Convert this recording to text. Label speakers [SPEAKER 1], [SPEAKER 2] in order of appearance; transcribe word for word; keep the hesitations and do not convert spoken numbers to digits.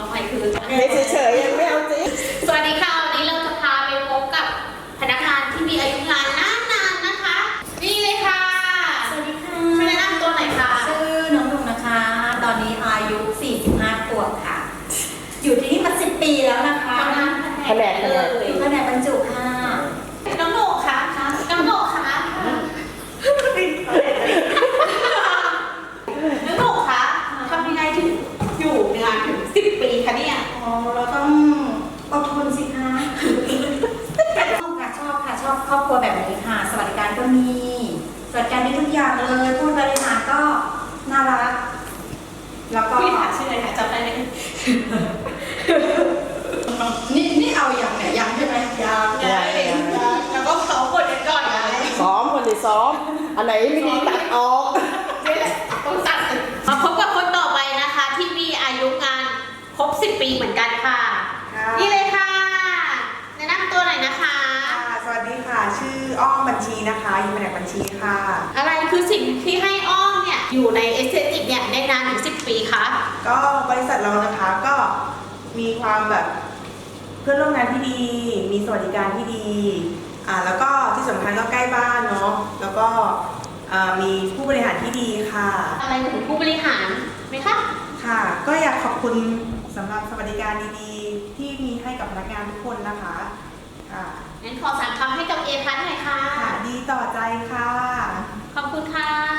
[SPEAKER 1] เอาไปคือ
[SPEAKER 2] ไม่เฉยๆยังไม่เอาจริง
[SPEAKER 1] สวัสดีค่ะวันนี้เราจะพาไปพบกับพนักงานที่มีอายุงานนานๆนะคะนี่เลยค่ะ
[SPEAKER 3] สวัสดีค่ะ
[SPEAKER 1] ช่วยแนะนำตัวหน่อยค่ะ
[SPEAKER 3] ชื่อน้องดุงนะคะ ตอนนี้อายุ สี่สิบห้า ขวบค่ะ อยู่ที่นี่มา สิบ ปีแล้วนะคะ
[SPEAKER 1] ทำงาน
[SPEAKER 2] แผนก
[SPEAKER 1] เล
[SPEAKER 2] แผนก
[SPEAKER 1] ย
[SPEAKER 3] อยู่แผนกบรรจุค่ะ
[SPEAKER 1] น้องโหนกค่ะน้องโหนกค่ะน้องโหนกคะทำยังไงถึงอยู่งานถึงสิบปีคะเนี่ย
[SPEAKER 3] อ๋อ เราต้องอดทนสิคะชอบค่ะชอบค่ะชอบครอบครัวแบบนี้ค่ะ สวัสดิการก็มี สวัสดิการได้ทุกอย่างเลยผู้บริหารก็น่ารัก แล้วก็
[SPEAKER 1] พี่ถามชื่ออะไรคะจำได้ไหม
[SPEAKER 3] นี่นี่เอาอย่างไหนยังใช่ไหมยัง
[SPEAKER 1] ไงแล้วก็เขากดกันก่อนไง
[SPEAKER 2] ซ้อมคนที่ซ้อมอันไหนไม่ดีตัดออก
[SPEAKER 1] นี่แหละต้องตัดมาพบกับคนต่อไปนะคะ ที่มีอายุงานครบสิบปีเหมือนกันค่ะ
[SPEAKER 4] ค่ะ
[SPEAKER 1] นี่เลยค่ะแนะนำตัวหน่อยนะคะ
[SPEAKER 4] ค่ะสวัสดีค่ะ ชื่ออ้อมบัญชีนะคะอยู่แผนกบัญชีค่ะ
[SPEAKER 1] อะไรคือสิ่งที่ให้อ้อมเนี่ยอยู่ในเอสเตติกเนี่ยได้นานถึงสิบปีคะ
[SPEAKER 4] ก็บริษัทเรานะคะก็มีความแบบเพื่อนร่วมงานที่ดี มีสวัสดิการที่ดีอ่าแล้วก็ที่สำคัญก็ใกล้บ้านเนาะแล้วก็อ่ามีผู้บริหารที่ดีค่ะ
[SPEAKER 1] อะไรถึงผู้บริหารไหมคะ
[SPEAKER 4] ค่ะ ก็อยากขอบคุณสำหรับสวัสดิการดีๆ ที่มีให้กับพนักงานทุกคนนะคะค่ะ
[SPEAKER 1] งั้นขอสามคำให้กับเอพัทหน่อยค่ะ
[SPEAKER 4] ค่ะดีต่อใจค่ะ
[SPEAKER 1] ขอบคุณค่ะ